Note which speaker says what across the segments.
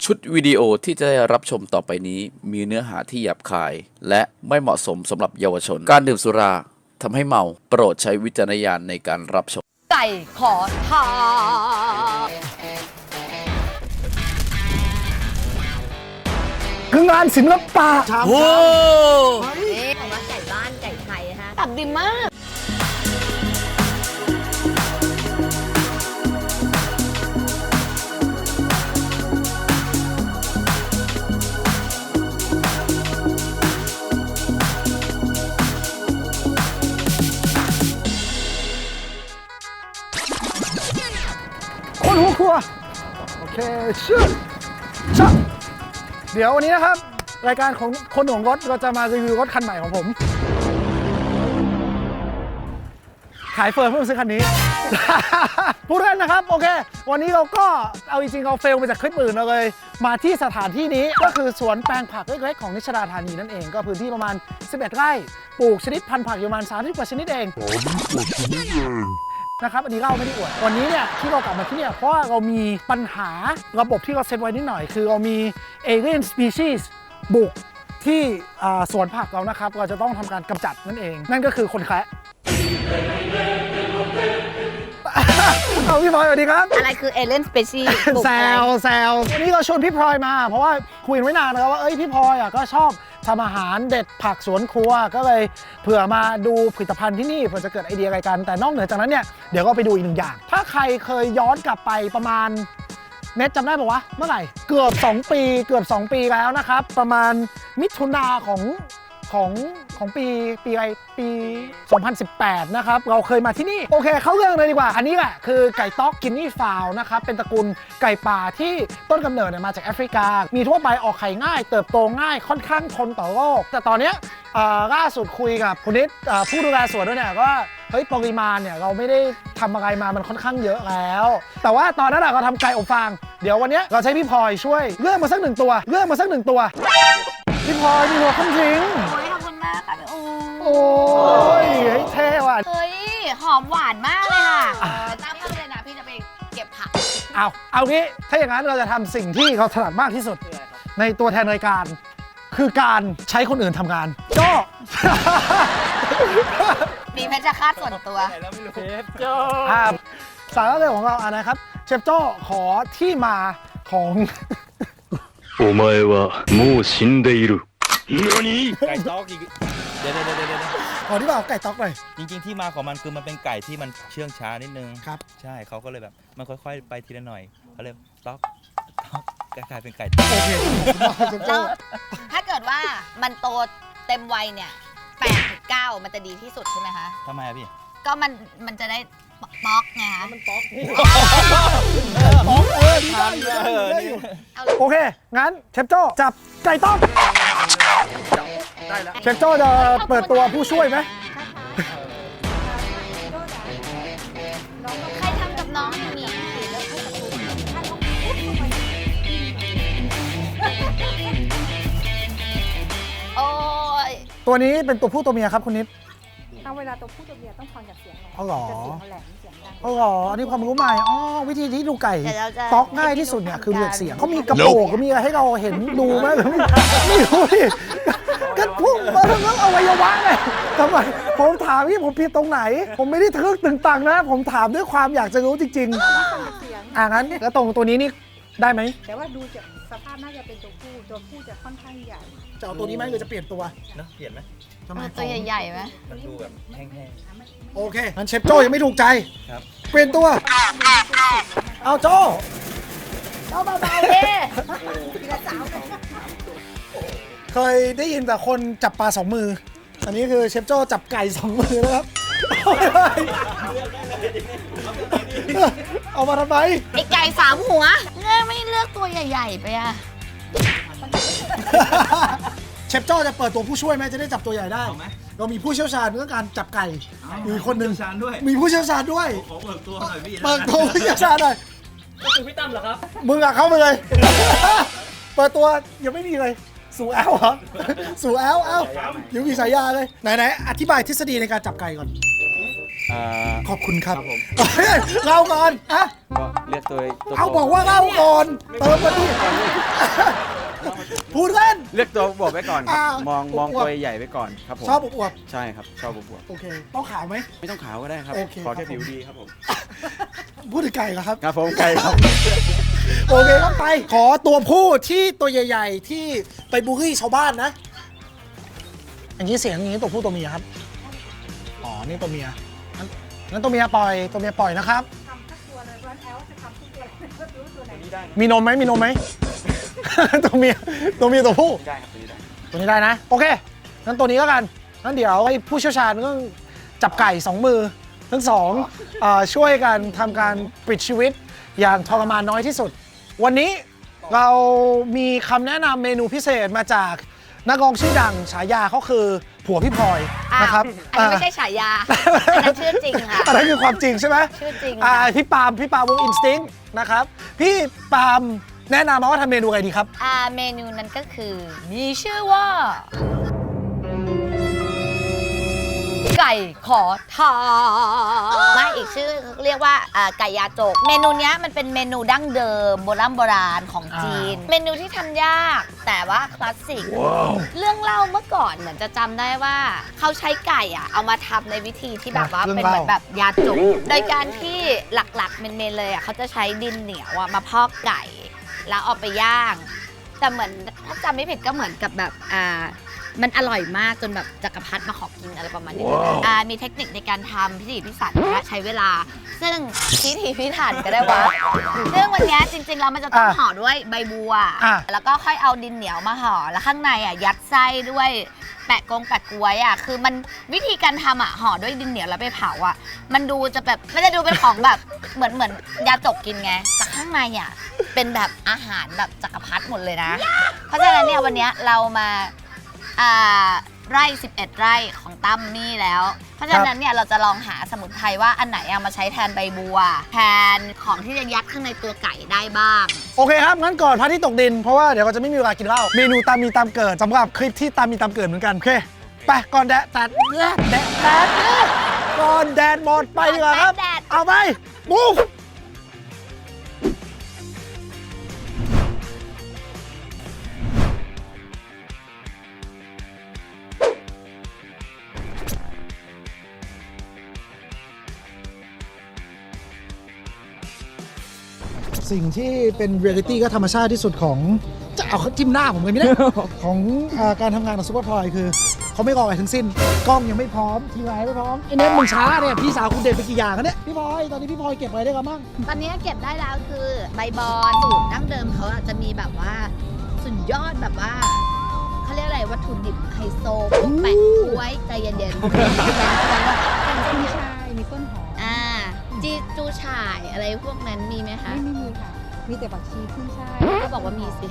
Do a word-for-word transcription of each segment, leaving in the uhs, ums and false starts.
Speaker 1: ชุดวิดีโอที่จะได้รับชมต่อไปนี้มีเนื้อหาที่หยาบคายและไม่เหมาะสมสำหรับเยาวชนการดื่มสุราทำให้เมาโปรดใช้วิจารณญาณในการรับชม
Speaker 2: ไก่ขอทาน
Speaker 3: คืองานศิลปะ
Speaker 1: โอ้
Speaker 2: นี่ของว่าไก่บ้านไก่ไทยนะคะตับดีมาก
Speaker 3: คนหัวครัวโอเคชื่อชักเดี๋ยววันนี้นะครับรายการของคนหวงรถเราจะมารีวิวรถคันใหม่ของผมขายเฟิร์มเพื่อซื้อคันนี้ พูดเล่นนะครับโอเควันนี้เราก็เอาจริงๆเราเฟลไปจากคลิปอื่นเราเลยมาที่สถานที่นี้ก็คือสวนแปลงผักเล็กๆของนิชดาธานีนั่นเองก็พื้นที่ประมาณสิบเอ็ดไร่ปลูกชนิดพันธุ์ผักอยู่ประมาณสามสิบกว่าชนิดเองนะครับอันนี้เราไม่ได้อวดวันนี้เนี่ยที่เรากลับมาที่เนี่ยเพราะว่าเรามีปัญหาระบบที่เราเซตไว้นิดหน่อยคือเรามี alien species บุกที่สวนผักเรานะครับเราจะต้องทำการกำจัดนั่นเองนั่นก็คือคนแคระเอาพี่พลอยสวัสดีครับ
Speaker 2: อะไรคือเอเลนสเปซี่
Speaker 3: แซวแซววันนี้เราชวนพี่พลอยมาเพราะว่าคุยไว้นานแล้วว่าเอ้ยพี่พลอยอ่ะก็ชอบทำอาหารเด็ดผักสวนครัวก็เลยเผื่อมาดูผลิตภัณฑ์ที่นี่เผื่อจะเกิดไอเดียอะไรกันแต่นอกเหนือจากนั้นเนี่ยเดี๋ยวก็ไปดูอีกหนึ่งอย่างถ้าใครเคยย้อนกลับไปประมาณเน็ตจำได้ป่าวะเมื่อไหร่เกือบสองปีเกือบสองปีแล้วนะครับประมาณมิถุนาของของของปีปีอะไรปีสองพันสิบแปดนะครับเราเคยมาที่นี่โอเคเข้าเรื่องเลยดีกว่าอันนี้แหละคือไก่ต๊อกกินนี่ฟาวนะครับเป็นตระกูลไก่ป่าที่ต้นกำเนิดเนี่ยมาจากแอฟริกามีทั่วไปออกไข่ง่ายเติบโตง่ายค่อนข้างทนต่อโรคแต่ตอนนี้ล่าสุดคุยกับคุณนิดผู้ดูแลสวนด้วยเนี่ยว่าเฮ้ยปริมาณเนี่ยเราไม่ได้ทำอะไรมามันค่อนข้างเยอะแล้วแต่ว่าตอนนั้นเราทำไก่อบฟางเดี๋ยววันนี้เราใช้พี่พลอยช่วยเลือกมาสักหนึ่งตัวเลือกมาสักหนึ่งตัวพี่พลอยมีหัวคำจริง
Speaker 2: โอ้ยขอบคุณมากค่ะพี่อู
Speaker 3: โอ้ยเท่ว่ะ
Speaker 2: เฮ้ยหอมหวานมากเลยค่ะตามเลยนะพี่จะไปเก็บผัก
Speaker 3: เอาเอางี้ถ้าอย่างนั้นเราจะทำสิ่งที่เขาถนัดมากที่สุดในตัวแทนรายการคือการใช้คนอื่นทำงานก็
Speaker 2: มีเพชรฆาตส่วนตัว
Speaker 3: เชฟโจ้สาระเรื่องของเราอ่ะนะครับเชฟโจ้ขอที่มาของ
Speaker 4: お前はもう死んでいる何
Speaker 5: ไก่ต๊อกอีกเดี๋ยวเดี๋ยวเดี๋ยวเดี๋ยว
Speaker 3: ขอที่มาของไก่ต๊อกเลย
Speaker 5: จริงๆที่มาของมันคือมันเป็นไก่ที่มันเชื่องช้านิดนึง
Speaker 3: ครับ
Speaker 5: ใช่เขาก็เลยแบบมันค่อยๆไปทีละหน่อยเขาเลยต๊อกต๊อกกลายเป็นไก่ต๊อก
Speaker 3: โอเค
Speaker 2: แล้วถ้าเกิดว่ามันโตเต็มวัยเนี่ยแปดถึงเก้ามันจะดีที่สุดใช่ไหมคะ
Speaker 5: ทำไมอะพี่
Speaker 2: ก็มันมันจะได้ป๊อกไงคะ
Speaker 3: มันป๊อกป๊อกเออทานเลยโอเคงั้นเชฟโจ้จับไก่ต๊อกได้แล้วเชฟโจ้จะเปิดตัวผู้ช่วยไหม
Speaker 2: ใครทำกับน้องอย่างนี้โอ้ย
Speaker 3: ตัวนี้เป็นตัวผู้ตัวเมียครับคุณนิด
Speaker 6: เอาเวลาตัวผู้ตัวเมียต้องฟังจากเสียงหน่อย
Speaker 3: เอาหรอ
Speaker 6: จะเสียงแหลมเสียงดัง
Speaker 3: เอาหรออันนี้ความรู้ใหม่อ๋อวิธีที่ดูไก่ต๊อกง่ายที่สุดเนี่ยคือเลือกเสียงเขามีกระโปรงก็มีอะไรให้เราเห็นดูไหมไม่รู้ดิก็พุ่งมาทั้งนั้นอวัยวะไงทำไมผมถามที่ผมผิดตรงไหนผมไม่ได้ทึกตึงตังนะผมถามด้วยความอยากจะรู้จริงๆอ่างั้นแล้วตรงตัวนี้นี่ได้ไหม
Speaker 6: แต่ว่าดูจากสภาพน่าจะเป็นตัวผู้ตัวผู้จะค่อนข้างใหญ่
Speaker 3: จะเอาตัวนี้ไหมหรือจะเปลี่ยนตัว
Speaker 5: เนาะเปลี่ยนไหม
Speaker 2: ตัวใหญ่ๆไหม
Speaker 5: มันดูแบบแห้ง
Speaker 3: ๆโอเคงั้นเชฟโจ้ยังไม่ถูกใจ
Speaker 5: ครับ
Speaker 3: เปลี่ยนตัวเอาโจ้
Speaker 2: เบาๆเด้
Speaker 3: เคยได้ยินแต่คนจับปลาสองมืออันนี้คือเชฟโจ้จับไก่สองมือนะครับเอามาทำไม
Speaker 2: ไอไก่สามหัวเงื่อไม่เลือกตัวใหญ่ๆไปอะ
Speaker 3: เชฟโจ้จะเปิดตัวผู้ช่วยไหมจะได้จับตัวใหญ่ได้เรามีผู้เชี่ยวชาญเรื่องการจับไก่มีคนหนึ่งมีผู้เชี่ยวชาญด้วย
Speaker 5: ขอเปิดตัวหน่อยพี่
Speaker 3: เปิดตัวผู้เชี่ยวชาญหน่อย
Speaker 5: ก็คือพี่ตั้มเหรอครับ
Speaker 3: มึงอะเข้าไปเลยเปิดตัวยังไม่มีเลยสู่แอลเหรอสู่แอลแอลยังมีสายยาเลยไหนๆอธิบายทฤษฎีในการจับไก่ก่อนขอบคุณครับเล่าก่อนอะ
Speaker 5: ก็เลือกตัว
Speaker 3: เอาบอกว่าเล่าก่อนเติมมาดิ
Speaker 7: ลือกตัวบวบไว้ก่อนครับ
Speaker 3: อ่าม
Speaker 7: องมอง
Speaker 3: อวบ
Speaker 7: ตัวใหญ่ไว้ก่อนครับผม
Speaker 3: ชอบอวบ
Speaker 7: ใช่ครับชอบบวบ
Speaker 3: ๆโอเค ต้องขาวไหม
Speaker 7: ไม่ต้องขาวก็ได้ครับ
Speaker 3: โอเค
Speaker 7: ขอแค่
Speaker 3: ครับผม
Speaker 7: ผิวดีครับผม
Speaker 3: พูดถึงไก่เหรอครับ
Speaker 7: ครับผมไก่ครับ
Speaker 3: โอเคครับไป ขอตัวผู้ที่ตัวใหญ่ ๆ ที่ไปบูลลี่ชาวบ้านนะ อย่างนี้เสียงอย่างนี้ตัวผู้ตัวเมียครับ อ๋อ นี่ตัวเมียงั้นงั้นตัวเมียปล่อย ตัวเมียปล่อยนะครับ
Speaker 6: ทำสักตัวเลยเพราะแอลจะทำทุกตัวเลยก็รู้ตัวไหน
Speaker 3: มีนมไหมมีนมไหม ตัวเมีย ตัวเมียตัวผู้
Speaker 7: ได้ครับตัวนี้ได้
Speaker 3: ตัวนี้ได้นะ โอเค งั้นตัวนี้แล้วกันงั้นเดี๋ยวให้ผู้เชี่ยวชาญต้องจับไก่สองมือ ทั้งสองเอ่อช่วยกันทำการปิดชีวิตอย่างทรมานน้อยที่สุด วันนี้เรามีคำแนะนำเมนูพิเศษมาจากนักร้องชื่อดังฉายาเขาคือผัวพี่พลอย
Speaker 2: อ้าว
Speaker 3: นะครับ
Speaker 2: อันนี้ไม่ใช่ฉายา อันนั้นชื่อจริงค่ะ
Speaker 3: อันนั้นคือความจริงใช่ไหม
Speaker 2: ชื่อจริง
Speaker 3: อ่า
Speaker 2: ค่ะ
Speaker 3: พี่ปาล์มพี่ปาล์มวงอินสติ้งนะครับ พี่ปาล์มแนะนำมาว่าทำเมนูอะไรดีครับ
Speaker 2: อ่าเมนูนั้นก็คือ มีชื่อว่า ไก่ขอทานไม่อีกชื่อเรียกว่าอ่าไก่ยาจก เมนูเนี้ยมันเป็นเมนูดั้งเดิมโบราณโบราณของจีน เมนูที่ทำยากแต่ว่าคลาสสิก เรื่องเล่าเมื่อก่อนเหมือนจะจำได้ว่าเขาใช้ไก่อะเอามาทำในวิธีที่แบบว่า
Speaker 3: เรื่อง
Speaker 2: เป็นเหมือน
Speaker 3: เล่า
Speaker 2: แบบยาจก โดยการที่หลักๆเมนๆเลยอะเขาจะใช้ดินเหนียวอะมาพอกไก่ แล้วเอาไปย่าง แต่เหมือนถ้าจำไม่ผิดก็เหมือนกับแบบอ่ามันอร่อยมากจนแบบจักรพรรดิมาขอกินอะไรประมาณนี้อ่ามีเทคนิคในการทำพิถีพิถันและใช้เวลา ซึ่งพิถีพิถันก็ได้วะซึ่งวันเนี้ยจริงๆแล้วมันจะต้อง
Speaker 3: อ่ะ
Speaker 2: ห่อด้วยใบบัว
Speaker 3: อ่ะ
Speaker 2: แล้วก็ค่อยเอาดินเหนียวมาห่อแล้วข้างในอ่ะยัดไส้ด้วยแปะกงแปะกล้วยอ่ะคือมันวิธีการทำอ่ะห่อด้วยดินเหนียวแล้วไปเผาอ่ะมันดูจะแบบมันจะดูเป็นของแบบ เหมือนเหมือนยาจกกินไงแต่ข้างในอ่ะเป็นแบบอาหารแบบจักรพรรดิหมดเลยนะ เพราะฉะนั้นเนี่ยวันเนี้ยเรามาอ่าไร่สิบเอ็ดไร่ของตั้มนี่แล้ว เพราะฉะนั้นเนี่ยเราจะลองหาสมุนไพรว่าอันไหนเอามาใช้แทนใบบัว แทนของที่จะยัดข้างในตัวไก่ได้บ้าง
Speaker 3: โอเคครับ งั้นก่อนพระอาที่ตกดิน เพราะว่าเดี๋ยวเราจะไม่มีเวลากินเหล้าเมนูตามมีตามเกิดสำหรับคลิปที่ตามมีตามเกิดเหมือนกัน โอเค ไปก่อนแดดตัดแดดแดดแดดก่อนแดดหมดไปดีกว่าครับ
Speaker 2: แดด
Speaker 3: เอาไปมูฟสิ่งที่เป็นเรียลิตี้ก็ธรรมชาติที่สุดของจะเอาเขาจิ้มหน้าผมเลยไม่ได้ ของอ่าการทำงานของซูเปอร์พลอยคือเขาไม่รออะไรทั้งสิ้น กล้องยังไม่พร้อมทีมงานไม่พร้อมไอ้เน็ตมึงช้าเนี่ยพี่สาวคุณเด็ดไปกี่อย่างกันเนี่ยพี่พลอยตอนนี้พี่พลอยเก็บอะไรได้กันบ้าง
Speaker 2: ตอนนี้เก็บได้แล้วคือใบบอนสูตรดั้งเดิมเขาอะจะมีแบบว่าสุดยอดแบบว่าเขาเรียกอะไรวัตถุดิบไฮโซพวกแปะกล้วยใจเย็นๆ
Speaker 6: เป็นมีชายมีต้นหอม
Speaker 2: อ่าจีจูฉ่ายอะไรพวกนั้นมีไหมคะ
Speaker 6: ไม่ไม่มีค่ะ มีแต่ผักชีขึ้นช่าย
Speaker 2: ก็บอกว่ามีสิ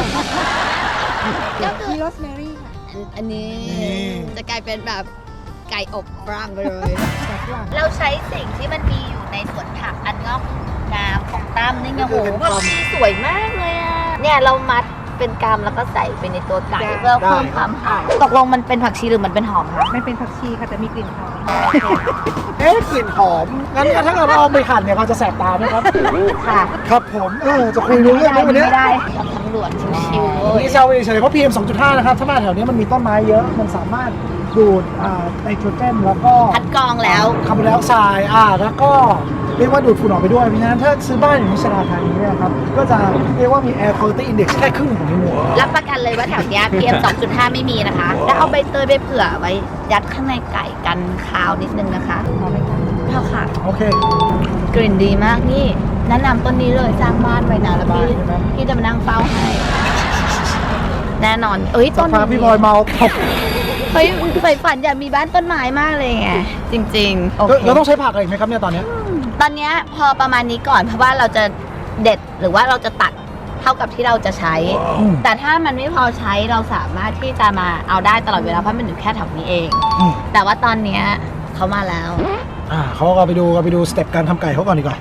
Speaker 2: ก็คือ
Speaker 6: มีโรสแมรี่ค่ะ
Speaker 2: อันอันนี้
Speaker 3: นี่
Speaker 2: จะกลายเป็นแบบไก่อบฟรังไปเลย
Speaker 6: แต่ฝรั่ง
Speaker 2: เราใช้สิ่งที่มันมีอยู่ในสวนผักอันงอกงามของตั้มนี่ไงโหผักชีสวยมากเลยอ่ะ เนี่ยเรามัดเป็นกำแล้วก็ใส่ไปในตัวไก่เพื่อเพิ่มความหอมตกลงมันเป็นผักชีหรือมันเป็นหอมคะ
Speaker 6: มันเป็นผักชีค่ะแต่มีกลิ่นหอม
Speaker 3: เอ๊ะกลิ่นหอมงั้นถ้าเราเอาไปหั่นเนี่ยเราจะแสบตาไหมครับ
Speaker 2: ค่ะ
Speaker 3: ครับผมเออจะคุยรู้เรื่องไหมวันนี้
Speaker 2: ไม่ได้กับตำรวจชิวๆเลย
Speaker 3: นี่เซลล์เฉยๆเพราะ พี เอ็ม สองจุดห้า นะครับ ถ้ามาแถวนี้มันมีต้นไม้เยอะ มันสามารถดูดอ่าไนโตรเจนแล้วก็
Speaker 2: คัดกรองแล้ว
Speaker 3: คาร์บอนไดออกไซด์อ่าแล้วก็เรียกว่าดูดฝุ่นออกไปด้วย เพราะฉะนั้นถ้าซื้อบ้านอย่างนิชราธานีเนี่ยครับ ก็จะเรียกว่ามี Air Quality Index แค่ครึ่งของในเมือง
Speaker 2: รับประกันเลยว่าแถวเนี้ย พี เอ็ม สองจุดห้า ไม่มีนะคะ แล้วเอาใบเตยไปเผื่อไว้ยัดข้างในไก่กันคาวนิดนึงนะคะพอไหมคะพอค่ะ
Speaker 3: โอเค
Speaker 2: กลิ่นดีมากนี่แนะนำต้นนี้เลยสร้างบ้านไว้นะแล้วพี่
Speaker 3: บ้านใช่ไหม
Speaker 2: พี่จะมานั่งเฝ้าให้ แน่นอน เอ้ย
Speaker 3: สั
Speaker 2: ต้
Speaker 3: ก
Speaker 2: น
Speaker 3: พักพี่บอยเมาตบ
Speaker 2: เฮ้ยใฝ่ฝันอยากมีบ้านต้นไม้มากเลยไงจริงๆโอเค
Speaker 3: เราต้องใช้ผักอะไรอีกไหมครับเนี่ยตอนเนี้ย
Speaker 2: ตอนเนี้ยพอประมาณนี้ก่อนเพราะว่าเราจะเด็ดหรือว่าเราจะตัดเท่ากับที่เราจะใช้
Speaker 3: อืม
Speaker 2: แต่ถ้ามันไม่พอใช้เราสามารถที่จะมาเอาได้ตลอดเวลาเพราะมันอยู่แค่แถวนี้เอง
Speaker 3: อืม
Speaker 2: แต่ว่าตอนเนี้ยเขามาแล้ว
Speaker 3: อ่าเขาก็ไปดูก็ไปดูสเต็ปการทำไก่เขาก่อนดีกว่า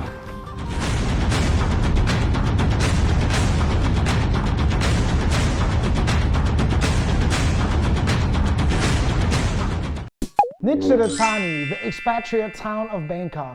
Speaker 3: Nichiratani the expatriate town of Bangkok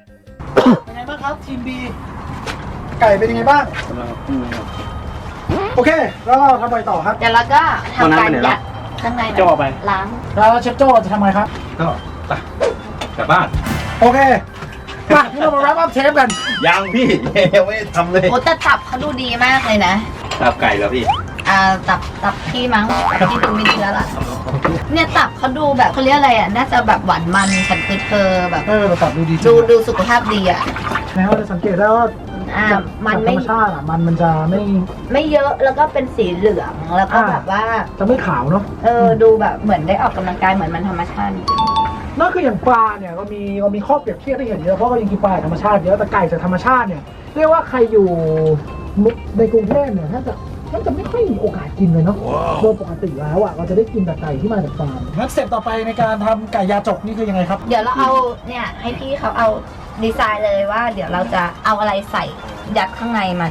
Speaker 3: เป็นไงบ้างครับทีม B ไก่เป็นยังไงบ้างโอเค แล้วเราทำอะไรต่อครับ
Speaker 2: เดี๋ยวเราก็ทำการยัดข้างใน
Speaker 7: จะออกไป
Speaker 2: ล้าง
Speaker 3: แล้วเชฟโจ้จะทำไงครับ
Speaker 7: ก็ไปกลับบ้าน
Speaker 3: โอเค มาที่เรามา wrap up เทปกัน
Speaker 7: ยังพี่ ยังไม่ได้ทำเลย
Speaker 2: โอ้แต่ตับเขาดูดีมากเลยนะ
Speaker 7: ตับไก่แล้วพี่
Speaker 2: อ่าตับตับพี่มั้งตับพี่ดูมีเชื้อละเนี่ยตับเขาดูแบบเขาเรียกอะไรอ่ะน่าจะแบบหวานมันฉันคือเธอแบบ
Speaker 3: เออเราตัดดูดีจริ
Speaker 2: ดู
Speaker 3: ง
Speaker 2: ดูสุขภาพดีอ่ะ
Speaker 3: แล้วเราจะสังเกตได้ว่า
Speaker 2: อ่า
Speaker 3: จาก
Speaker 2: มัน
Speaker 3: จากธ
Speaker 2: ไม่
Speaker 3: รรมชาติอ่ะ มันมันจะไม่
Speaker 2: ไม่เยอะแล้วก็เป็นสีเหลืองแล้วก็
Speaker 3: อ่า
Speaker 2: แบบว่า
Speaker 3: จะไม่ขาวเนาะ
Speaker 2: เออดูแบบเหมือนได้ออกกำลังกายเหมือนมันธรรมชาติจริง
Speaker 3: นั่นคืออย่างปลาเนี่ยเรามีเรามีข้อเปรียบเทียบที่เห็นเยอะเพราะเรายังกินปลาจากธรรมชาติเยอะแต่ไก่จากธรรมชาติเนี่ยเรียกว่าใครอยู่ในกรุงเทพเนี่ยถ้าจะน่าจะไม่ค่อยมีโอกาสกินเลยเนาะโดยปกติแล้วอ่ะเราจะได้กินแต่ไก่ที่มาจากฟาร์มงั้นสเต็ปต่อไปในการทำไก่ยาจกนี่คือยังไงครับ
Speaker 2: เดี๋ยวเราเอาเนี่ยให้พี่เขาเอาดีไซน์เลยว่า เดี๋ยวเราจะเอาอะไรใส่ยัดข้างในมัน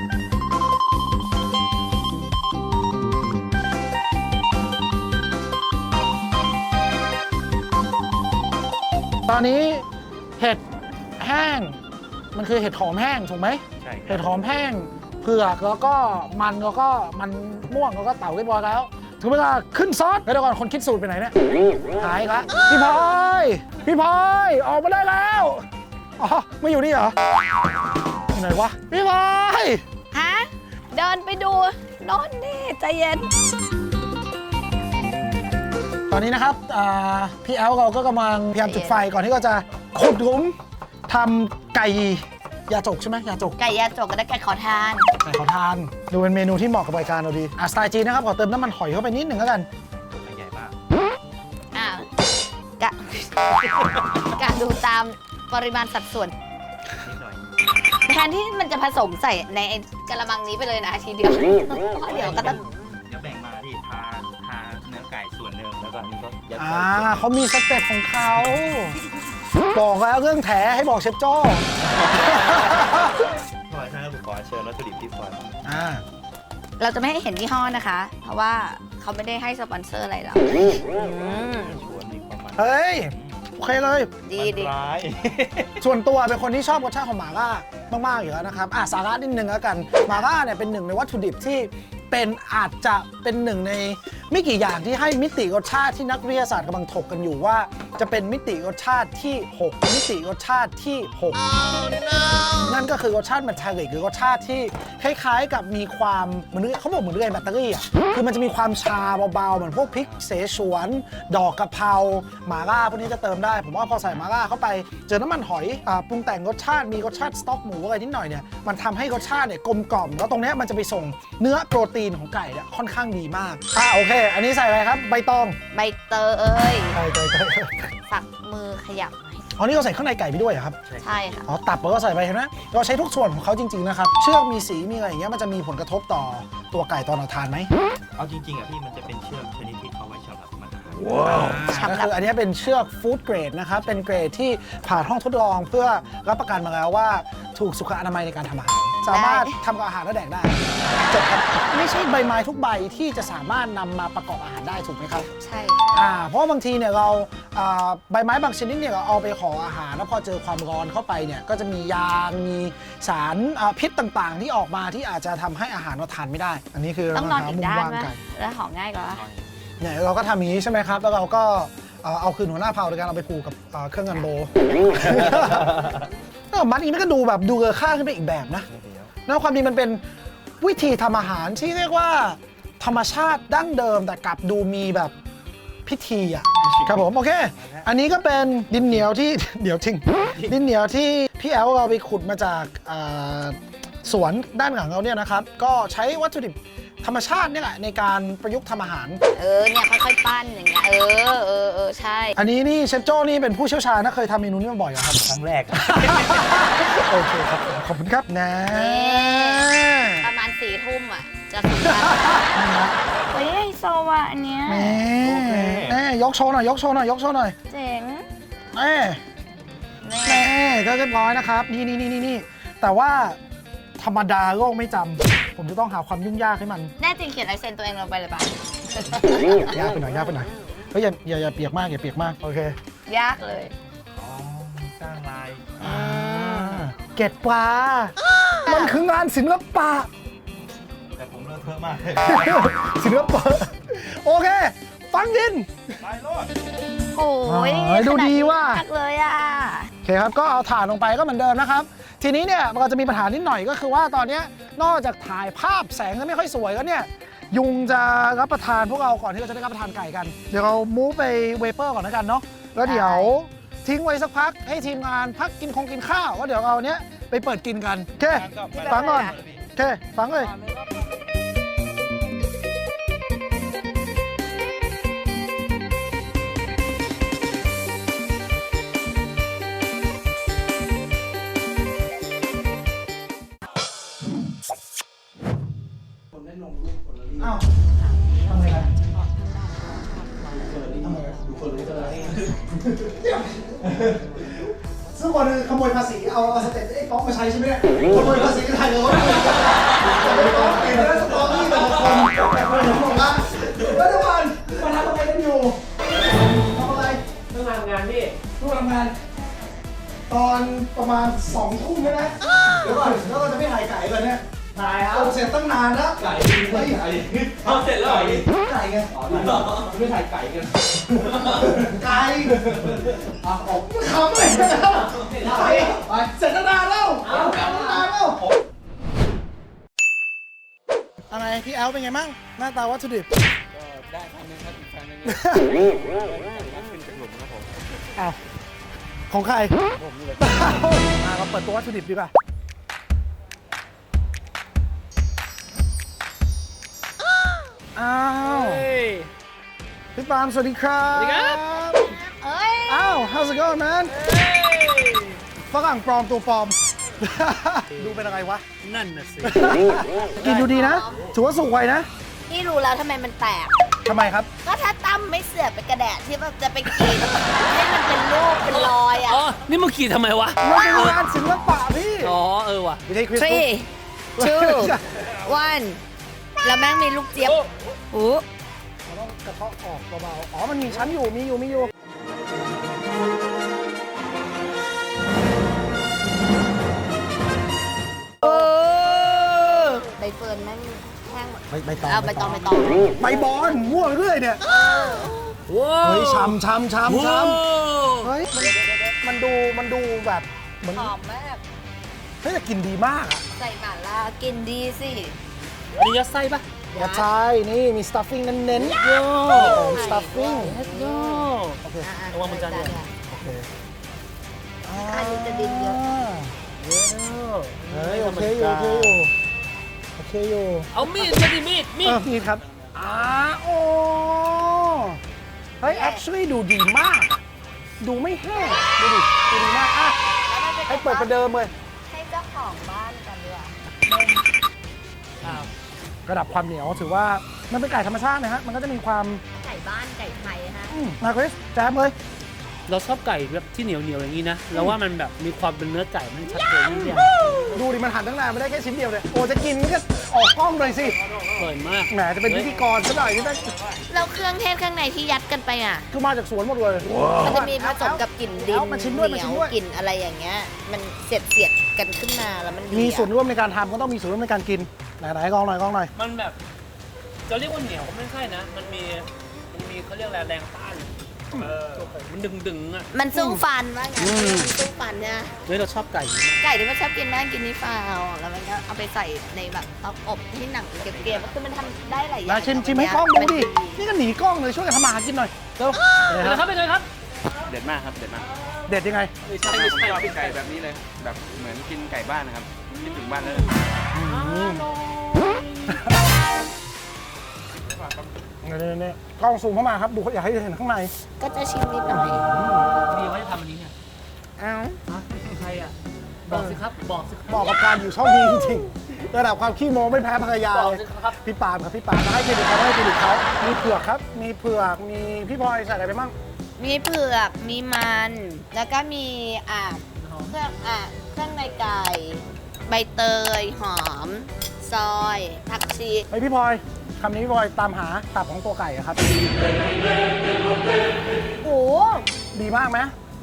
Speaker 3: ตอนนี้เห็ดแห้งมันคือเห็ดหอมแห้งถูกไหม
Speaker 5: ใช่ค
Speaker 3: เห็
Speaker 5: รั
Speaker 3: ด
Speaker 5: บ
Speaker 3: หอมแห้งเผือกแล้วก็มันแล้วก็มันม่วงแล้วก็เต่าเรียบร้อยแล้วถึงเวลาขึ้นซอสแล้วเดี๋ยวก่อนคนคิดสูตรไปไหนเนี่ยหายอีกละพี่พลอยพี่พลอยออกมาได้แล้วอ๋อไม่อยู่นี่เหรออยู่ไหนวะพี่พลอย
Speaker 2: ฮะ เดินไปดูโน่นนี่ใจเย็น
Speaker 3: ตอนนี้นะครับอ่าพี่แอลเราก็กำลังพยายามจุดไฟก่อนที่เราจะขุดหลุมทำไก่ยาจกใช่ไหมยาจก
Speaker 2: ไก่ยาจกก็ได้ไก่ขอทาน
Speaker 3: ไก่ขอทานดูเป็นเมนูที่เหมาะกับรายการเราดีอ่ะสไตล์จีนนะครับขอเติมน้ำมันหอยเข้าไปนิดหนึ่งแล้วกัน
Speaker 5: ใหญ่มาก
Speaker 2: อ้าวกะ กะดูตามปริมาณสัดส่วน
Speaker 5: นิดหน่อย
Speaker 2: แทนที่มันจะผสมใส่ในไอ้กระมังนี้ไปเลยนะทีเดียวเพราะเดี๋ยวก็ต้อง
Speaker 5: เดี๋ยวแบ่งมาที่ทาทาเนื้อไก่ส่วนหนึ่งแล้วก็อันนี้ก็ยัด
Speaker 3: อ่า
Speaker 5: ใส่ส่วนหนึ่ง
Speaker 3: เขามีสเต็ปของเขาบอกแล้วเรื่องแถให้บอกเชฟโจ้
Speaker 5: พอใช่แล้วผมขอเชิญวัตถุดิบที่ฟอยล์
Speaker 3: อ่า
Speaker 2: เราจะไม่ให้เห็นยี่ห้อนะคะ เพราะว่าเขาไม่ได้ให้สปอนเซอร์อะไรเราอืม
Speaker 5: ชวนมีความมัน
Speaker 3: เฮ้ยโอเคเลย
Speaker 2: ดีดี
Speaker 5: ร้าย
Speaker 3: ส่วนตัวเป็นคนที่ชอบรสชาติของหม่าล่ามากๆอยู่แล้วนะครับอ่ะสาระนิดนึงแล้วกันหม่าล่าเนี่ยเป็นหนึ่งในวัตถุดิบที่เป็นอาจจะเป็นหนึ่งในไม่กี่อย่างที่ให้มิติรสชาติที่นักวิทยาศาสตร์กำลังถกกันอยู่ว่า จะเป็นมิติรสชาติที่หกมิติรสชาติที่หก นั่นก็คือรสชาติแมทาลิกหรือรสชาติที่คล้ายๆ กับมีความเหมือนเขาบอกเหมือนเรื่อยแบตเตอรี่อ่ะคือมันจะมีความชาเบาๆเหมือนพวกพริกเสฉวน ดอกกะเพราหม่าล่าพวกนี้จะเติมได้ ผมว่าพอใส่หม่าล่าเข้าไปเจอน้ำมันหอยอ่าปรุงแต่งรสชาติมีรสชาติสต๊อกหมูอะไรนิดหน่อยเนี่ยมันทำให้รสชาติเนี่ยกลมกล่อมแล้วตรงเนี้ยมันจะไปส่งเนื้อโปรตีนของไก่เนี่ยค่อนข้างดีมากอ่าโอเค อันนี้ใส่อะไรครับใบตอง
Speaker 2: ใบเตยเอ้ย
Speaker 3: ใส่ใส่ใส่
Speaker 2: ฝักมือขยับ
Speaker 3: อ๋อนี่เราใส่ข้างในไก่ไปด้วยเหรอครับ
Speaker 2: ใช่ค่ะ
Speaker 3: อ๋อตับเราก็ใส่ไปเห็นไหมเราใช้ทุกส่วนของเขาจริงๆนะครับเชือกมีสีมีอะไรอย่างเงี้ยมันจะมีผลกระทบต่อตัวไก่ตอนเราทานไหม
Speaker 5: เอาจริงๆอ่ะพี่มันจะเป็นเชือกชนิดที่เขาไว้สำหรับมันทาน
Speaker 3: ก็คืออันนี้เป็นเชือกฟู้ดเกรดนะครับเป็นเกรดที่ผ่านห้องทดลองเพื่อรับประกันมาแล้วว่าถูกสุขอนามัยในการทำอาหารสามารถทำกับอาหารและแดกได้จบครับไม่ใช่ใบไม้ทุกใบที่จะสามารถนำมาประกอบอาหารได้ถูกไหมครับ
Speaker 2: ใช่
Speaker 3: อ่าเพราะว่าบางทีเนี่ยเราอ่าใบไม้บางชนิดเนี่ยเราเอาไปห่ออาหารแล้วพอเจอความร้อนเข้าไปเนี่ยก็จะมียางมีสารอ่าพิษต่างๆ ที่ออกมาที่อาจจะทำให้อาหารเราทานไม่ได้ อันนี้คือ
Speaker 2: ต้องนอนอีก
Speaker 3: มุม
Speaker 2: ด้าน
Speaker 3: วาง
Speaker 2: ไหม
Speaker 3: ไก่
Speaker 2: แล้วหอมง่ายกว่า
Speaker 3: เนี่ยเราก็ทำอย่างนี้ใช่ไหมครับแล้วเราก็เอ่อเอาคืนหัวหน้าเผ่าโดยการเอาไปผูกกับเอ่อเครื่องงันโบ เออมัดอย่างนี้มันก็ดูแบบดูเลอค่าขึ้นไปอีกแบบนะแล้วความจริงมันเป็นวิธีทำอาหารที่เรียกว่าธรรมชาติดั้งเดิมแต่กลับดูมีแบบพิธีอ่ะครับผมโอเค อันนี้ก็เป็นดินเหนียวที่ เดี๋ยวทิ้งดินเหนียวที่พี่แอลเราไปขุดมาจากอ่าสวนด้านหลังเราเนี่ยนะครับก็ใช้วัตถุดิบธรรมชาติเนี่ยแหละในการประยุกต์ทำอาหาร
Speaker 2: เออเนี่ยค่อยๆปั้นอย่างเงี้ยเออเออเออใช่
Speaker 3: อันนี้นี่เชฟโจ้นี่เป็นผู้เชี่ยวชาญนะเคยทำเมนูนี้มาบ่อยเหรอครับ
Speaker 5: ครั้งแรก
Speaker 3: โอเคครับผมขอบคุณครับนะ
Speaker 2: ประมาณสี่ทุ่มอ่ะ จะสุดแล้วเฮ้ยไฮโซว่ะอันเนี้ย
Speaker 3: แม่
Speaker 5: โอเค
Speaker 3: แม่ยกโชว์หน่อยยกโชว์หน่อยยกโชว์หน่อย
Speaker 2: เจ๋ง
Speaker 3: แม่
Speaker 2: นี่
Speaker 3: แม่ก็เรียบร้อยนะครับนี่นี่นี่นี่นี่แต่ว่าธรรมดาโลกไม่จำผมจะต้องหาความยุ่งยากให้มัน
Speaker 2: แน่จริงเขียนลายเซ็นตัวเองลงไปเลยป่ะ
Speaker 3: ยากไปหน่อยยากไปหน่อยเฮ้ยอย่าอย่าอย่าเปียกมากอย่าเปียกมากโอเค
Speaker 2: ยากเลย
Speaker 5: อ๋อสร้างลาย
Speaker 3: อ่าเก็ดปลามันคืองานศิลปะ
Speaker 5: แต่ผมเลอะเทอะมาก
Speaker 3: ศิลปะโอเค ฟังดิน
Speaker 5: ไปโลด
Speaker 2: โอ้ย
Speaker 3: เฮ้ยดูดีว่ะ
Speaker 2: ขนานี้มากเลยอ่ะ
Speaker 3: โอเคครับ ก็เอาถ่านลงไปก็เหมือนเดิมนะครับ ทีนี้เนี่ยมันก็จะมีปัญหานิดหน่อยก็คือว่าตอนเนี้ยนอกจากถ่ายภาพแสงจะไม่ค่อยสวยแล้วเนี่ย ยุงจะรับประทานพวกเราก่อนที่เราจะได้รับประทานไก่กัน เดี๋ยวเรามูฟไปเวเปอร์ก่อนแล้วกันเนาะ แล้วเดี๋ยวทิ้งไว้สักพักให้ทีมงานพักกินคงกินข้าวแล้วเดี๋ยวเราเนี้ยไปเปิดกินกัน โอเค ฟังก่อน โอเค ฟังเลย อ้าวทำไมล่ะทำไมดูคนรู้อะไรซึ่งคนขโมยภาษีเอาเอาสเต็ปไอ้ก๊อกมาใช้ใช่ไหมเนี่ยขโมยภาษีถ่ายรถแต่ไอ้ก๊อกเองแล้วสตอรี่แต่ละคนแต่คนผมบอกว่าแล้วทุกคนมาทำอะไรกันอยู่ทำอะไรต้องทำงานพี่ต้องทำงาน ตอนประมาณสองทุ่มใช่ไหมเดี๋ยวก่อนแล้วเราจะไม่ถ่ายไก่กันเนี่ยถ่ายครับเสร็จตั้งนานแล้วไก่ไก่เอาเสร็จแล้วไก่ไงอ๋อไม่ถ่ายไก่กันไก่เอาออกคำเลยนะครับไก่ไปเสร็จตั้งนานแล้วเอาตั้งนานแล้วอะไรพี่แอลเป็นไงมั่งหน้าตาวัตถุดิบได้ครั้งนึงครับอีกครั้งนึงขึ้นจากหลุมครับผมอ้าวของใครผมนี่เลยมาเราเปิดตัววัตถุดิบดีกว่าอ้าวพี่ปาล์มสวัสดีครับสวัสดีครับ
Speaker 2: เอ้ย
Speaker 3: อ้าว how's it going man ฝรั่งปลอมตัวปลอม ดูเป็นอะไรวะ
Speaker 8: นั่นน่ะสิ
Speaker 3: กินดูดีนะ ถือว่าสุกไวนะ
Speaker 2: นี่รู้แล้วทำไมมันแตก
Speaker 3: ทำไมครับ
Speaker 2: ก็ถ้าตั้มไม่เสือกไปกระแดะที่แบบจะไปกิน ให้มันเป็นรูปเป็นรอยอ่ะ
Speaker 8: อ๋อ นี่มึงขี่ทำไมวะ
Speaker 3: มันเป็นงานศิลปะพี่
Speaker 8: อ๋อ เออว่ะ
Speaker 3: ไม่ได้คริส
Speaker 2: three two one แล้วแม่งมีลูกเจี๊ยบอู้
Speaker 3: เราต้องกระเทาะออกเบาๆอ๋อ มันมีชั้นอยู่ มีอยู่ มีอยู่
Speaker 2: เออใบเฟิร์นแม่งแห้งหมด
Speaker 3: ใบใบตอง
Speaker 2: เอาใบตองใบตอง
Speaker 3: ใบบอลมั่วเรื่อยเนี่ย
Speaker 8: ว้าว
Speaker 3: เฮ้ยช้ำช้ำช้ำช้
Speaker 8: ว้าว
Speaker 3: ำเฮ้ย มันมันดู มันดูแบบเหมือน
Speaker 2: หอมมาก
Speaker 3: เฮ้ยแต่กลิ่นดีมากอะ
Speaker 2: ใส่หม่าล่ากินดีสิ
Speaker 8: อันนี้ยัดไส้ปะ
Speaker 3: กระชายนี่มี stuffing เน้นๆโย่ของ stuffing
Speaker 8: โย่
Speaker 3: โอเค
Speaker 2: อ่ะๆ
Speaker 8: ระวังมันจะเนี่ย
Speaker 3: โอเค
Speaker 2: อันนี้จะดินเยอะ
Speaker 3: เฮ้ยโอเคอยู่โอเคอยู่โอเคอยู่
Speaker 8: เอามีดมาดิมีด มี
Speaker 3: เอ
Speaker 8: ด
Speaker 3: อนี่ครับอ่าโอ้เฮ้ย actually ดูดีมาก ดูไม่แห้งดูดิดูดีมากอ่ะ
Speaker 2: แล้วมันจะ
Speaker 3: ให้เปิดประเดิมเลย
Speaker 2: ให้เจ้าของบ้านกันดีกว่า
Speaker 8: อ้าว
Speaker 3: ระดับความเหนียวถือว่ามันเป็นไก่ธรรมชาตินะฮะมันก็จะมีความ
Speaker 2: ไก่บ้านไก่ไทยฮะ
Speaker 3: อืมมาคริสแจมเลย
Speaker 8: เราชอบไก่แบบที่เหนียวเหนียวๆอย่างนี้นะ แล้วว่ามันแบบมีความเป็นเนื้อไก่มันชัดเจนนิดเดียว
Speaker 3: ดูดิมันหั่นตั้งนานไม่ได้แค่ชิ้นเดียวเลยโอ้จะกินก็ออกกล้องเลยสิ
Speaker 8: อร่อยมาก
Speaker 3: แหมจะเป็นพิธีกรซะหน่อยนี่ได้
Speaker 2: แล้วเครื่องเทศข้างในที่ยัดกันไปอ่ะ
Speaker 3: คือมาจากสวนหมดเลย
Speaker 2: มันจะมีผสมกับกลิ่นดิน
Speaker 3: เอามาชิมด้วย
Speaker 2: เห
Speaker 3: มา
Speaker 2: นี
Speaker 3: ชิ
Speaker 2: ย
Speaker 3: ม
Speaker 2: ว
Speaker 3: ด้วย
Speaker 2: กลิ่นอะไรอย่างเงี้ย มันเสียดเสียดๆกันขึ้นมาแล้วมันดี
Speaker 3: มี
Speaker 2: อะ
Speaker 3: ส่วนร่วมในการทำก็ต้องมีส่วนร่วมในการกินไหนๆกองหน่อยกองหน่อย
Speaker 8: มันแบบ จะเรียกว่าเหนียวก็ไม่ใช่นะ มันมี มันมีเขาเรียกอะไรแรงต้านเออมันดึงดึงๆอ่ะ
Speaker 2: มันสู้ฟันว่าไงมันสู้ฟันเนี่ย
Speaker 8: เฮ้ยเราชอบไก่มาก
Speaker 2: ไก่ที่มันชอบกินแม่งกินนี่เปล่าแล้วมันก็เอาไปใส่ในแบบเตาอบที่หนังเกรียบๆคือมันทำได้หลายอย่า
Speaker 3: มาง ชิมชิมให้กล้องดูดิ นี่ก็หนีกล้องเลยช่วยกันทำมาหากินหน่อยเร็ว
Speaker 8: เป็นไงครับเป็นไงครับ
Speaker 9: เด็ดมากครับ เด็ดมาก
Speaker 3: เด็ดยังไง
Speaker 8: ไม่ใช่
Speaker 9: ผม
Speaker 8: ไม่ใช่
Speaker 9: ชอบไก่แบบนี้เลย แบบเหมือนกินไก่บ้านนะครับคิดถึงบ้านเลย
Speaker 3: เนี่ยเนี่ยกล้องซูมเข้ามาครับ ดูอยากให้เห็นข้างใน
Speaker 2: ก็จะชิมนิดหน่อย
Speaker 8: ดีว่าจะทำอันนี้เนี่ย
Speaker 2: เอ้า
Speaker 8: ฮะใครอ่ะ บอกสิครับ บอกสิครับ
Speaker 3: เหมาะกับการอยู่ช่องนี้จริงๆระดับความขี้โม้ไม่แพ้ภรรยา
Speaker 8: บอก
Speaker 3: เลย
Speaker 8: สิครับ
Speaker 3: พี่ปาล์มครับพี่ปาล์มให้เครดิตเขาให้เครดิตเขามีเผือกครับ มีเผือก มีพี่พลอยใส่อะไรไปบ้าง
Speaker 2: มีเผือก มีมัน แล้วก็มีอ่าเครื่องอ่าเครื่องในไก่ ใบเตย หอม ซอย ผักชี
Speaker 3: ไอพี่พลอยคำนี้พี่พลอยตามหาตับของตัวไก่อะครับ
Speaker 2: โอ้
Speaker 3: ดีมากไหม
Speaker 2: อ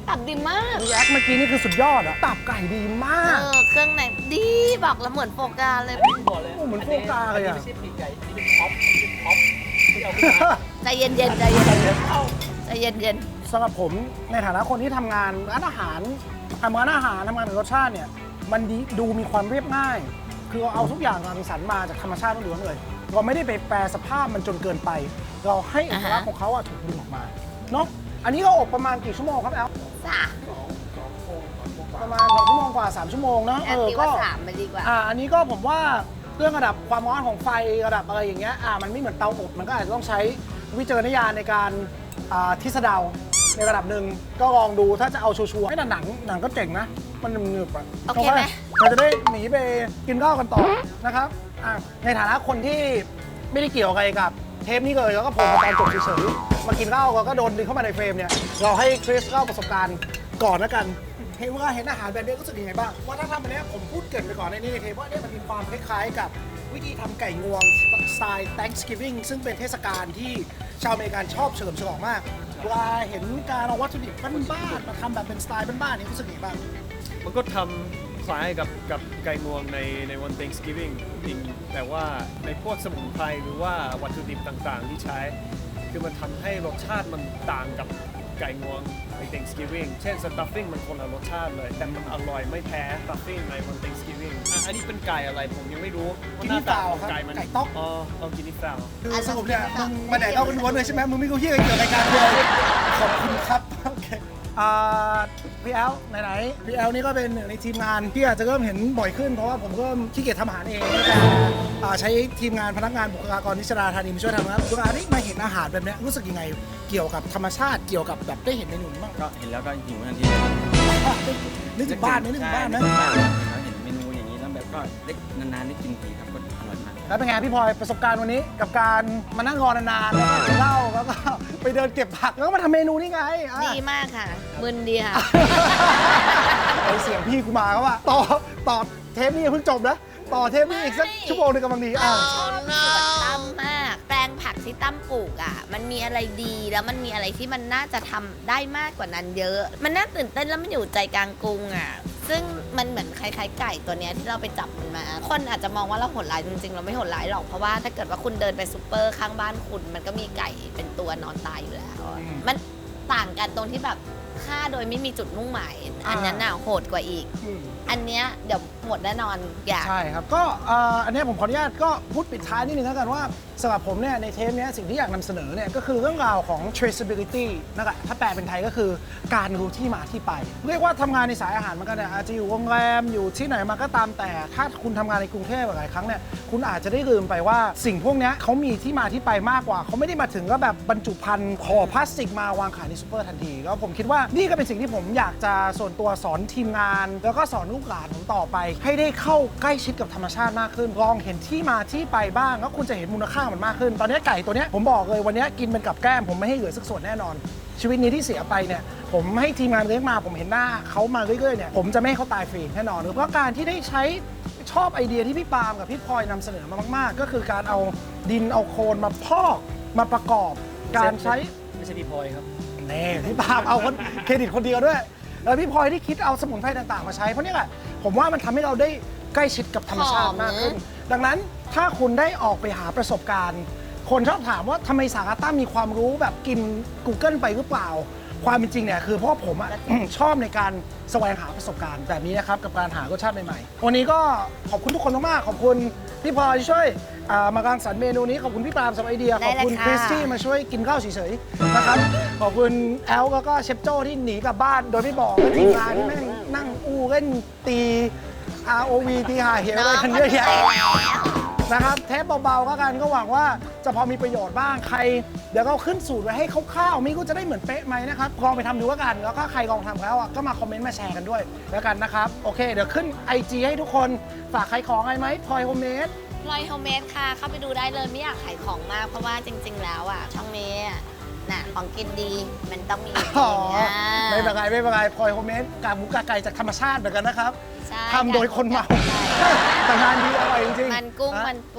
Speaker 2: ตับดีมาก
Speaker 3: รีแอคเมื่อกี้นี่คือสุดยอดอะตับไก่ดีมาก
Speaker 2: เออเครื่องในดีบอกแล้วเหมือนโฟกาเลย
Speaker 8: บอกเลย
Speaker 3: โอ้เหมือนโฟกาเลยอะ
Speaker 8: นนี้ไม่ใช่ปีกไก่นี่เป็นท็อปเป็นท็อปที่เอาขึ้นมา
Speaker 2: ใจเย็นๆใจเย็นๆใจเย็น
Speaker 3: สำหรับผมในฐานะคนที่ทำงานร้านอาหารทำงานอาหารทำงานกับรสชาติเนี่ยมันดีดูมีความเรียบง่าย คือเอาทุกอย่างรังสรรค์มาจากธรรมชาติล้วนๆเลย เราไม่ได้ไปแปรสภาพมันจนเกินไป เราให้เอกลักษณ์ของเขาอะถูกดึงออกมาเนาะอันนี้ก็อบประมาณกี่ชั่วโมงครับแอล
Speaker 2: ๆสาม
Speaker 3: ประมาณสองชั่วโมงกว่าสามชั่วโมงเนาะ
Speaker 2: แอ
Speaker 3: เอน อ
Speaker 2: ตี
Speaker 3: ก็
Speaker 2: ว่าสามไปดีกว่า
Speaker 3: อ่าอันนี้ก็ผมว่าเรื่องระดับความร้อนของไฟระดับอะไรอย่างเงี้ยอ่ามันไม่เหมือนเตาอบมันก็อาจจะต้องใช้วิจารณญาณในการอ่าทิศเดาในระดับหนึ่งก็ลองดูถ้าจะเอาชัวร์ๆไม่แต่หนังหนังก็เจ๋งนะ มันหนึบๆอ่ะ
Speaker 2: โอเคไหม
Speaker 3: เราจะได้หนีไปกินข้าวกันต่อนะครับอ่ะในฐานะคนที่ไม่ได้เกี่ยวอะไรกับเทปนี้เลยแล้วก็ผมมาตอนจบเฉยๆมากินข้าวเราก็โดนดึงเข้ามาในเฟรมเนี่ยเราให้คริสเล่าประสบการณ์ก่อนแล้วกัน เห็นว่าเห็นอาหารแบบนี้รู้สึกยังไงบ้างว่าถ้าทำอันเนี้ยผมพูดเกรินไปก่อนในนี้ในเทปว่าเนี่ยมันมีความคล้ายๆกับวิธีทำไก่งวงสไตล์ Thanksgiving ซึ่งเป็นเทศกาลที่ชาวอเมริกันชอบเฉลิมฉลองมากเวลาเห็นการเอาวัตถุดิบบ้านๆมาทำแบบเป็นสไตล์บ้านๆนี่รู้สึกยังไงบ้าง
Speaker 10: มันก็ทำคล้ายกับกับไก่งวงในในวัน Thanksgiving จริงแต่ว่าในพวกสมุนไพรหรือว่าวัตถุดิบต่างๆ ที่ใช้ คือมันทำให้รสชาติมันต่างกับไก่งวงใน Thanksgiving เช่น stuffing มันคนละรสชาติเลย แต่มันอร่อยไม่แพ้ stuffing ในวัน Thanksgiving อ่ะอันนี้เป็นไก่อะไรผมยังไม่รู้ว่าหน้าตาของไก่มัน
Speaker 3: ไก่ต๊อก
Speaker 10: อ๋อเอากินนี่ฟาว
Speaker 3: คือสรุปเนี่ยมึงมาแดกเอาล้วนๆเลยใช่ไหมมึงไม่รู้เฮียอะไรเกี่ยวกับรายการเลยขอบคุณครับโอเคอ่าพี่แอลไหนๆพี่แอลนี่ก็เป็นหนึ่งในทีมงานที่อาจจะเริ่มเห็นบ่อยขึ้นเพราะว่าผมก็ขี้เกียจทำอาหารเองแล้วก็อ่าใช้ทีมงานพนักงานบุคลากรนิชราธานีมาช่วยทำนะครับบุคลากรนี่มาเห็นอาหารแบบเนี้ยรู้สึกยังไงเกี่ยวกับธรรมชาติเกี่ยวกับแบบได้เห็นเมนูนี้บ้าง
Speaker 9: ก็เห็นแล้วก็หิวทันที
Speaker 3: นึกถึงบ้านไหมนึกถึงบ้านไหม
Speaker 9: ใช่นึกถึงบ้านแล้วเห็นเมนูอย่างนี้แล้วแบบก็ได้นานๆได้กินทีครับก็อร่อยมาก
Speaker 3: แล้วเป็นไงพี่พลอยประสบการณ์วันนี้กับการมานั่งรอนานๆแล้วก็กินเหล้าแล้วก็ไปเดินเก็บผักแล้วก็มาทำเมนูนี่ไงอ่ะ
Speaker 2: ดีมากค่ะมึนดีค่ะ
Speaker 3: ไอเสียงพี่กูมาก็ว่าต่อต่อเทปนี้ยังเพิ่งจบนะต่อเทปนี้อีกสักชั่วโมงหนึงกำลังดีอ่ะ
Speaker 2: ชอบสวนตั้มมาก แปลงผักที่ตั้มปลูกอ่ะ มันมีอะไรดีแล้วมันมีอะไรที่มันน่าจะทำได้มากกว่านั้นเยอะ มันน่าตื่นเต้นแล้วมันอยู่ใจกลางกรุงอ่ะ ซึ่งมันเหมือนคล้ายๆไก่ตัวเนี้ยที่เราไปจับมันมา คนอาจจะมองว่าเราโหดร้ายจริงๆ เราไม่โหดร้ายหรอก เพราะว่าถ้าเกิดว่าคุณเดินไปซูเปอร์ข้างบ้านคุณ มันก็มีไก่เป็นตัวนอนตายอยู่แล้วอะมันต่างกันตรงที่แบบฆ่าโดยไม่มีจุดมุ่งหมาย อันนั้นน่ะโหดกว่าอีก
Speaker 3: อืม
Speaker 2: อันเนี้ยเดี๋ยวหมดแน่นอนอยาก
Speaker 3: ใช่ครับ ก็เอ่ออันนี้ผมขออนุญาตก็พูดปิดท้ายนิดนึงแล้วกันว่าสำหรับผมเนี่ยในเทปเนี้ยสิ่งที่อยากนำเสนอเนี่ยก็คือเรื่องราวของ traceability นะครับถ้าแปลเป็นไทยก็คือการรู้ที่มาที่ไป เรียกว่าทำงานในสายอาหารมันก็เนี่ยอาจจะอยู่โรงแรมอยู่ที่ไหนมาก็ตามแต่ถ้าคุณทำงานในกรุงเทพหลายครั้งเนี่ยคุณอาจจะได้ลืมไปว่าสิ่งพวกเนี้ยเขามีที่มาที่ไปมากกว่าเขาไม่ได้มาถึงก็แบบบรรจุภัณฑ์ห่อพลาสติกมาวางขายในซูเปอร์ทันทีแล้วผมคิดว่านี่ก็เป็นสิ่งที่ผมอยากจะส่วนตัวสอนทีมงาน แล้วก็สอนลูกหลานผมต่อไป ให้ได้เข้าใกล้ชิดกับธรรมชาติมากขึ้นลองเห็นที่มาที่ไปบ้างแล้วคุณจะเห็นมูลค่ามันมากขึ้น ตอนนี้ไก่ตัวเนี้ยผมบอกเลยวันนี้กินเป็นกับแก้มผมไม่ให้เหลือสักส่วนแน่นอน ชีวิตนี้ที่เสียไปเนี่ยผมให้ทีมงานเลี้ยงมาผมเห็นหน้าเขามาเรื่อยๆเนี่ยผมจะไม่ให้เขาตายฟรีแน่นอนเพราะการที่ได้ใช้ชอบไอเดียที่พี่ปาล์มกับพี่พลอยนำเสนอมามากๆ ก็คือการเอาดินเอาโคลนมาพอกมาประกอบการใช้
Speaker 10: ไม่ใช่พี่พลอยครับ
Speaker 3: เน่พี่ปาล์มเอาคนเครดิตคนเดียวด้วยแล้วพี่พลอยที่คิดเอาสมุนไพรต่างๆมาใช้เพราะนี่แหละผมว่ามันทำให้เราได้ใกล้ชิดกับธรรมชาติมากขึ้น ดังนั้นถ้าคุณได้ออกไปหาประสบการณ์ คนชอบถามว่าทำไมสาราตั้มมีความรู้แบบกิน Google ไปหรือเปล่า ความเป็นจริงเนี่ยคือเพราะผมอะ ชอบในการแสวงหาประสบการณ์แบบนี้นะครับกับการหารสชาติใหม่ๆวันนี้ก็ขอบคุณทุกคนมากๆขอบคุณพี่พลอยที่ช่วยอ่ามารังสรรค์เมนูนี้ขอบคุณพี่ปาล์มสำหรับไอเดียขอบคุณคริสที่มาช่วยกินข้าวเฉยๆนะครับขอบคุณแอลแล้วก็เชฟโจ้ที่หนีกลับบ้านโดยไม่บอกและทีมงานที่แม่งนั่งอู้เล่นตี อาร์ โอ วี ตีหาเหวอะไรกันเยอะแยะนะครับเทปเบาๆก็กันก็หวังว่าจะพอมีประโยชน์บ้างใครเดี๋ยวก็ขึ้นสูตรไว้ให้คร่าวๆไม่รู้จะได้เหมือนเป๊ะไหมนะครับลองไปทำดูแล้วกันแล้วก็ใครลองทำแล้วอ่ะก็มาคอมเมนต์มาแชร์กันด้วยแล้วกันนะครับโอเคเดี๋ยวขึ้น ไอ จี ให้ทุกคนฝากขายของอะไรไหมพลอยโฮมเมด
Speaker 2: พลอยโฮมเมดค่ะ เข้าไปดูได้เลยไม่อยากขายของมาก เพราะว่าจริง ๆ แล้วอ่ะ ช่องนี้อะน่ะของกินดีมันต้องมีอยู่
Speaker 3: อ๋อ
Speaker 2: จริงอ่ะ
Speaker 3: ไม่เป็นไรไม่เป็นไรพลอยโฮมเมดกากหมูกากไก่จากธรรมชาติเหมือนกันนะครับ
Speaker 2: ใช่
Speaker 3: ทำโดยคนเมาแต่งานดีอร่อยจริงๆ
Speaker 2: มันกุ้ง
Speaker 3: ะ
Speaker 2: มันปูได้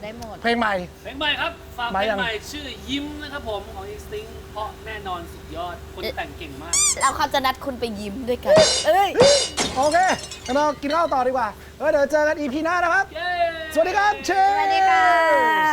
Speaker 2: ได้หมด
Speaker 3: เพลงใหม่
Speaker 8: เพลงใหม่ครับฝากเพ
Speaker 3: มา
Speaker 8: ล
Speaker 3: ยัง
Speaker 8: งใหม่ชื่อยิ้มนะครับผมของ Instinct เพราะแน่นอนสุดยอดคนแต่งเก่งมาก
Speaker 2: แล้วเขาจะนัดคุณไปยิ้มด้วยกัน เอ้ย
Speaker 3: โอเคงั้นเรากินข้าวต่อดีกว่าเออเดี๋ยวเจอกัน อี พี หน้านะครับ
Speaker 8: เย้
Speaker 3: สวัสดีครับเชฟ
Speaker 2: สวัสดีค่ะ